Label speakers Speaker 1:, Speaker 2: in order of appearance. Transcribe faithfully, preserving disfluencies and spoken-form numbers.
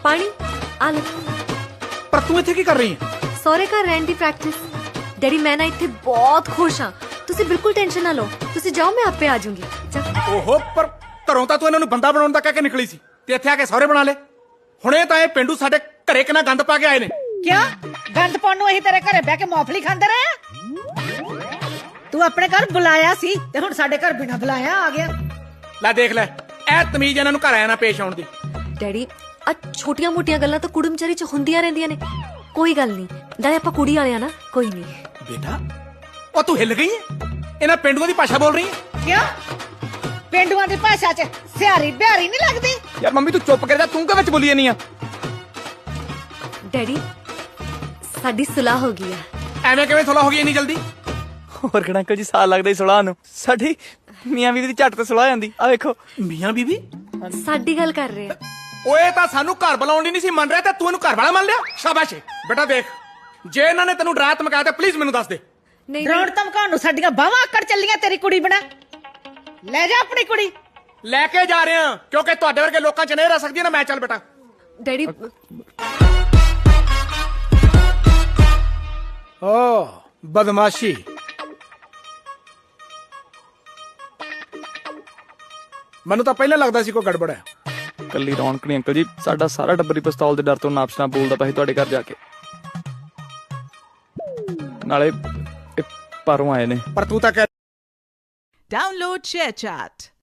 Speaker 1: ਪਾਣੀ ਆ ਲੈ।
Speaker 2: ਪਰ ਤੂੰ ਇੱਥੇ ਕੀ ਕਰ ਰਹੀ ਹੈ?
Speaker 1: ਸਹੁਰੇ ਘਰ ਰਹਿਣ ਦੀ ਪ੍ਰੈਕਟਿਸ। ਡੈਡੀ ਮੈਂ ਨਾ ਇੱਥੇ ਬਹੁਤ ਖੁਸ਼ ਹਾਂ, ਤੁਸੀਂ ਬਿਲਕੁਲ ਟੈਨਸ਼ਨ ਨਾ ਲਓ, ਤੁਸੀਂ ਜਾਓ ਮੈਂ ਆਪੇ ਆ ਜਾਊਂਗੀ।
Speaker 2: ਓਹੋ, ਪਰ ਘਰੋਂ ਤਾਂ ਤੂੰ ਇਹਨਾਂ ਨੂੰ ਬੰਦਾ ਬਣਾਉਣ ਦਾ ਕਹਿ ਕੇ ਨਿਕਲੀ ਸੀ ਤੇ ਇੱਥੇ ਆ ਕੇ ਸਹੁਰੇ ਬਣਾ ਲੈ। ਹੁਣੇ ਤਾਂ ਇਹ ਪਿੰਡੂ ਸਾਡੇ ਘਰੇ ਕਿੰਨਾ ਗੰਦ ਪਾ ਕੇ ਆਏ ਨੇ।
Speaker 3: ਕਿਆ ਗੰਦ ਪਾਉਣ ਨੂੰ ਅਸੀਂ ਤੇਰੇ ਘਰੇ ਬਹਿ ਕੇ ਮੌਫਲੀ ਖਾਂਦੇ ਰਹੇ ਆ? ਤੂੰ ਆਪਣੇ ਘਰ ਬੁਲਾਇਆ ਸੀ ਤੇ ਹੁਣ ਸਾਡੇ ਘਰ ਬਿਨਾਂ ਬੁਲਾਇਆ ਆ ਗਿਆ।
Speaker 2: ਲੈ ਦੇਖ ਲੈ, ਇਹ ਤਮੀਜ਼ ਇਹਨਾਂ ਨੂੰ ਘਰ ਆਇਆ ਨਾ ਪੇਸ਼ ਆਉਣ ਦੀ।
Speaker 1: ਡੈਡੀ ਆ ਛੋਟੀਆਂ ਮੋਟੀਆਂ ਗੱਲਾਂ ਤਾਂ ਕੁੜਮਚਾਰੀ ਚ ਹੁੰਦੀਆਂ ਰਹਿੰਦੀਆਂ ਨੇ, ਕੋਈ ਗੱਲ ਨਹੀਂ। ਨਾਲੇ ਆਪਾਂ ਕੁੜੀ ਵਾਲੇ ਆ ਨਾ, ਕੋਈ ਨਹੀਂ।
Speaker 2: ਬੇਟਾ ਉਹ ਤੂੰ ਹਿੱਲ ਗਈ ਹੈ? ਇਹਨਾਂ ਪਿੰਡੂਆਂ ਦੀ ਭਾਸ਼ਾ ਬੋਲ ਰਹੀ ਹੈ?
Speaker 3: ਕਿਆ ਪਿੰਡੂਆਂ ਦੀ ਭਾਸ਼ਾ ਚ ਸਿਆਰੀ ਬਿਹਾਰੀ ਨਹੀਂ ਲੱਗਦੀ?
Speaker 2: ਯਾਰ ਮੰਮੀ ਤੂੰ ਚੁੱਪ ਕਰ ਜਾ, ਤੂੰ ਕਿਉਂ ਵਿੱਚ ਬੋਲੀ ਨਹੀਂ ਆ?
Speaker 1: ਡੈਡੀ ਸਾਡੀ ਸੁਲਾਹ ਹੋ ਗਈ ਆ।
Speaker 2: ਐਵੇਂ ਕਿਵੇਂ ਸੁਲਾਹ ਹੋ ਗਈ ਇੰਨੀ ਜਲਦੀ?
Speaker 4: ਹੋਰ ਕਿਹੜਾ ਅੰਕਲ ਜੀ ਸਾਲ ਲੱਗਦਾ ਹੀ ਸੁਲਾਹ ਨੂੰ। ਸਾਡੀ ਮੀਆਂ ਬੀਵੀ ਦੀ ਝੱਟ ਤੇ ਸੁਲਾਹ ਜਾਂਦੀ। ਆ ਵੇਖੋ
Speaker 2: ਮੀਆਂ ਬੀਬੀ
Speaker 1: ਸਾਡੀ ਗੱਲ ਕਰ ਰਹੇ ਆ।
Speaker 2: ਓਏ ਤਾਂ ਸਾਨੂੰ ਘਰ ਬੁਲਾਉਣ ਦੀ ਨਹੀਂ ਸੀ ਮੰਨ ਰਿਹਾ ਤੇ ਤੂੰ ਇਹਨੂੰ ਘਰ ਵਾਲਾ ਮੰਨ ਲਿਆ। ਸ਼ਾਬਾਸ਼ ਏ। ਬੇਟਾ ਦੇਖ, ਜੇ ਇਹਨਾਂ ਨੇ ਤੈਨੂੰ ਡਰਾ ਧਮਕਾਇਆ ਤਾਂ ਪਲੀਜ਼ ਮੈਨੂੰ ਦੱਸ ਦੇ।
Speaker 1: ਨਹੀਂ
Speaker 3: ਡਰਾਉਣ ਧਮਕਾਉਣ ਨੂੰ ਸਾਡੀਆਂ ਬਾਹਾਂ ਆਕੜ ਚੱਲੀਆਂ ਤੇਰੀ ਕੁੜੀ ਬਣਾ। ਲੈ ਜਾ ਆਪਣੀ ਕੁੜੀ।
Speaker 2: ਲੈ ਕੇ ਜਾ ਰਹੇ ਹਾਂ ਕਿਉਂਕਿ ਤੁਹਾਡੇ ਵਰਗੇ ਲੋਕਾਂ ਚ ਨਹੀਂ ਰਹਿ ਸਕਦੀ ਨਾ ਮੈਂ। ਚੱਲ ਬੇਟਾ।
Speaker 1: ਡੈਡੀ
Speaker 2: ਓ ਬਦਮਾਸ਼ੀ। ਮੈਨੂੰ ਤਾਂ ਪਹਿਲਾਂ ਲੱਗਦਾ ਸੀ ਕੋਈ ਗੜਬੜ ਹੈ।
Speaker 4: ਕੱਲੀ ਰੌਣਕ ਨਹੀਂ ਅੰਕਲ ਜੀ, ਸਾਡਾ ਸਾਰਾ ਟੱਬਰ ਹੀ ਪਿਸਤੌਲ ਦੇ ਡਰ ਤੋਂ ਨਾਪਸ ਨਾ ਬੋਲਦਾ ਪਿਆ ਸੀ ਤੁਹਾਡੇ ਘਰ ਜਾ ਕੇ। ਨਾਲੇ ਇਹ ਪਰੋਂ ਆਏ ਨੇ।
Speaker 2: ਪਰ ਤੂੰ ਤਾਂ ਕਹਿ
Speaker 5: Download ShareChat.